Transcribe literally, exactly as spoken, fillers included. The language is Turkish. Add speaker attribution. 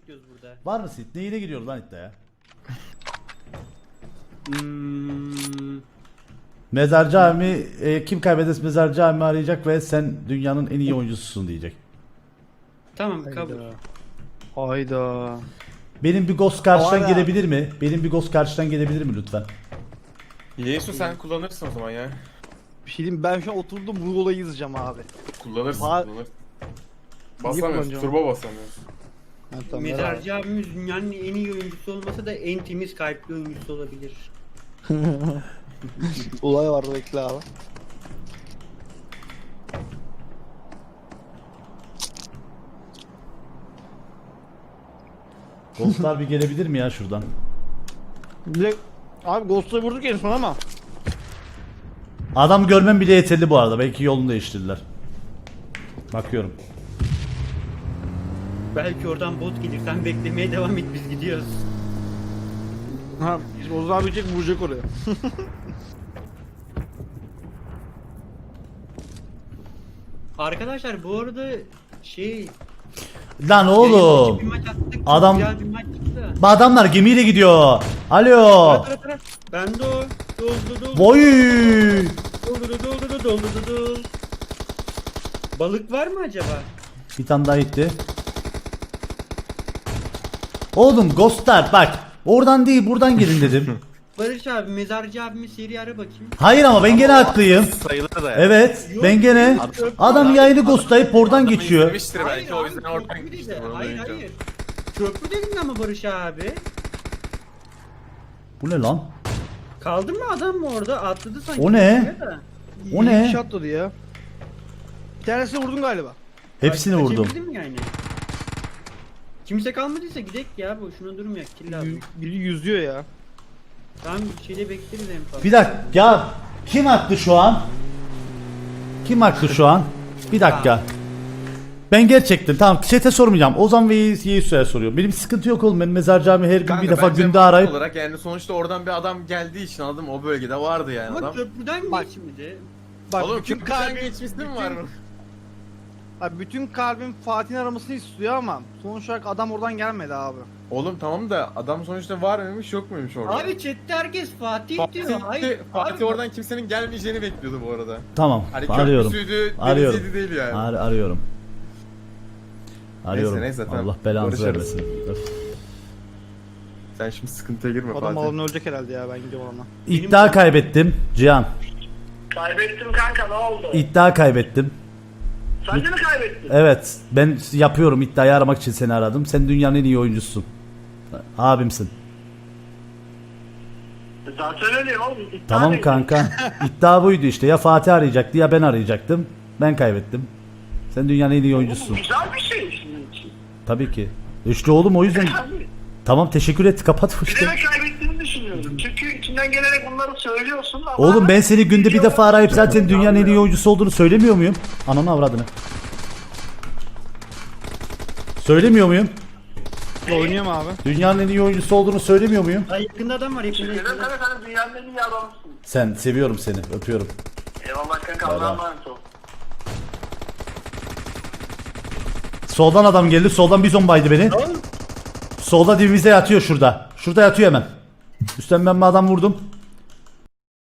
Speaker 1: bekliyoruz burada.
Speaker 2: Var mı sit? Neyine giriyoruz lan iddiaya?
Speaker 1: Hmm.
Speaker 2: Mezar Cami e, kim kaybederse Mezar Cami arayacak ve sen dünyanın en iyi oyuncususun diyecek.
Speaker 1: Tamam kabul.
Speaker 3: Hayda.
Speaker 2: Benim bir ghost karşıdan
Speaker 3: Hayda.
Speaker 2: gelebilir mi? Benim bir ghost karşıdan gelebilir mi lütfen?
Speaker 4: Yesu sen kullanırsın o zaman ya.
Speaker 3: Bir şey diyeyim, ben şu an oturdum bu olayı izleyeceğim abi.
Speaker 4: Kullanırsın,
Speaker 3: Ha-
Speaker 4: kullanırsın. Basamıyorsun,
Speaker 3: kullanacağım?
Speaker 4: turbo basamıyorsun.
Speaker 3: Ha, tamam,
Speaker 1: Mezarcı abimiz dünyanın en iyi oyuncusu olmasa da en temiz kalpli oyuncusu olabilir.
Speaker 3: olay var, bekle abi.
Speaker 2: Ghostlar bir gelebilir mi ya şuradan?
Speaker 3: Direkt abi Ghost'u vurduk en son ama.
Speaker 2: Adam görmem bile yeterli bu arada. Belki yolunu değiştirdiler. Bakıyorum.
Speaker 1: Belki oradan bot gelir, sen beklemeye devam et, biz gidiyoruz.
Speaker 3: Ha, Ozan abi çek vuracak oraya.
Speaker 1: Arkadaşlar bu arada şey...
Speaker 2: Lan oğlum.
Speaker 1: Bir maç attık,
Speaker 2: Adam-
Speaker 1: güzel bir maç çıktı.
Speaker 2: Bu adamlar gemiyle gidiyor. Alo.
Speaker 1: Tara tara tara. Ben de o. Doldu doldu.
Speaker 2: Boy.
Speaker 1: Doldu doldu doldu doldu. Balık var mı acaba?
Speaker 2: Bir tane daha gitti. Oğlum ghostlar bak. Oradan değil buradan girin dedim.
Speaker 1: Barış abi, mezarcı abimi seri ara bakayım.
Speaker 2: Hayır ama ben gene haklıyım.
Speaker 4: Sayılır da ya.
Speaker 2: Evet
Speaker 1: Yok,
Speaker 2: ben gene.
Speaker 1: yok.
Speaker 2: Adam yayını ghostlayıp oradan
Speaker 4: Adamı
Speaker 2: geçiyor.
Speaker 4: izlemiştir belki o
Speaker 1: abi,
Speaker 4: yüzden oradan
Speaker 1: köprü
Speaker 4: gitmiştir.
Speaker 1: dedi.
Speaker 4: onu
Speaker 1: Hayır
Speaker 4: duyunca.
Speaker 1: hayır. Köprü dedin ama Barış abi.
Speaker 2: Bu ne lan?
Speaker 1: Kaldı mı adam mı orada? Atladı sanki.
Speaker 2: O ne?
Speaker 1: oraya da.
Speaker 2: O ne?
Speaker 3: Bir kişi atladı ya. Bir tanesini vurdun galiba.
Speaker 2: Hepsini
Speaker 1: Kaç-
Speaker 2: vurdum.
Speaker 1: kaçabildim yani. Kimse kalmadıysa gidek ya, boşuna durmayak, kill lazım.
Speaker 3: Yü- Biri yüzüyor ya.
Speaker 1: Tamam, bir şeyde bekleriz en fazla.
Speaker 2: Bir dakika ya kim attı şu an? Kim attı şu an? Bir dakika. Ben gerçekten tamam chat'e sormayacağım. Ozan ve Yesu'ya soruyorum. Benim sıkıntı yok oğlum. Ben Mezar Cami her gün
Speaker 4: Kanka,
Speaker 2: bir defa
Speaker 4: bence
Speaker 2: günde
Speaker 4: mantık
Speaker 2: arayıp
Speaker 4: olarak yani sonuçta oradan bir adam geldiği için anladın mı? O bölgede vardı yani
Speaker 1: Ama
Speaker 4: adam.
Speaker 1: köprüden
Speaker 3: Bak.
Speaker 1: geçmedi.
Speaker 3: Bak
Speaker 4: Oğlum
Speaker 3: bütün
Speaker 4: köprüden
Speaker 3: kalbim,
Speaker 4: geçmişsin mi
Speaker 3: bütün-
Speaker 4: var?
Speaker 3: abi bütün kalbim Fatih'in aramasını istiyor ama sonuç olarak adam oradan gelmedi abi.
Speaker 4: Oğlum tamam da adam sonuçta var mıymış yok muymuş orada?
Speaker 1: Abi chatte herkes Fatih,
Speaker 4: Fatih,
Speaker 1: diyor. Hayır.
Speaker 4: Fatih
Speaker 1: abi.
Speaker 4: oradan kimsenin gelmeyeceğini bekliyordu bu arada.
Speaker 2: tamam
Speaker 4: Hani
Speaker 2: arıyorum.
Speaker 4: köprüsüydü,
Speaker 2: Arıyorum.
Speaker 4: deniziydi değil yani.
Speaker 2: Ar arıyorum. Arıyorum.
Speaker 4: neyse, tamam.
Speaker 2: Allah belanızı
Speaker 4: Barışırız.
Speaker 2: vermesin. Öf.
Speaker 4: Sen şimdi sıkıntıya girme
Speaker 3: Adam
Speaker 4: Fatih.
Speaker 3: alanı ölecek herhalde ya, ben gidiyorum ona.
Speaker 2: İddia kaybettim Cihan.
Speaker 5: Kaybettim kanka, ne oldu?
Speaker 2: İddia kaybettim.
Speaker 5: Sen de mi kaybettin?
Speaker 2: Evet ben yapıyorum iddiayı aramak için seni aradım. Sen dünyanın en iyi oyuncususun. Abimsin.
Speaker 5: Zaten öyle oğlum. iddia
Speaker 2: Tamam
Speaker 5: değil.
Speaker 2: kanka. İddia buydu işte. Ya Fatih arayacaktı ya ben arayacaktım. Ben kaybettim. Sen dünyanın en iyi
Speaker 5: Bu
Speaker 2: oyuncusun.
Speaker 5: güzel bir şey senin için.
Speaker 2: Tabii ki. İşte oğlum o yüzden.
Speaker 5: Tabii.
Speaker 2: Tamam teşekkür et. Kapat bu işte.
Speaker 5: Bilerek kaybettiğini düşünüyorum. Çünkü içinden gelerek bunları söylüyorsun ama...
Speaker 2: Oğlum ben seni günde bir defa arayıp zaten dünyanın en iyi oyuncusu olduğunu söylemiyor muyum? Ananı avradını. Söylemiyor muyum?
Speaker 3: Oynuyorum abi.
Speaker 2: Dünyanın en iyi oyuncusu olduğunu söylemiyor muyum?
Speaker 1: Ay, yakında adam var, yakında.
Speaker 5: Neden
Speaker 1: yakında.
Speaker 5: sana sen dünyanın en iyi adamısın.
Speaker 2: Sen seviyorum seni. Öpüyorum.
Speaker 5: Eyvallah kanka, Allah'a emanet ol.
Speaker 2: Soldan adam geldi. Soldan bizon baydı beni. Solda dibimizde yatıyor şurada. Şurada yatıyor hemen. Üstten ben bir adam vurdum.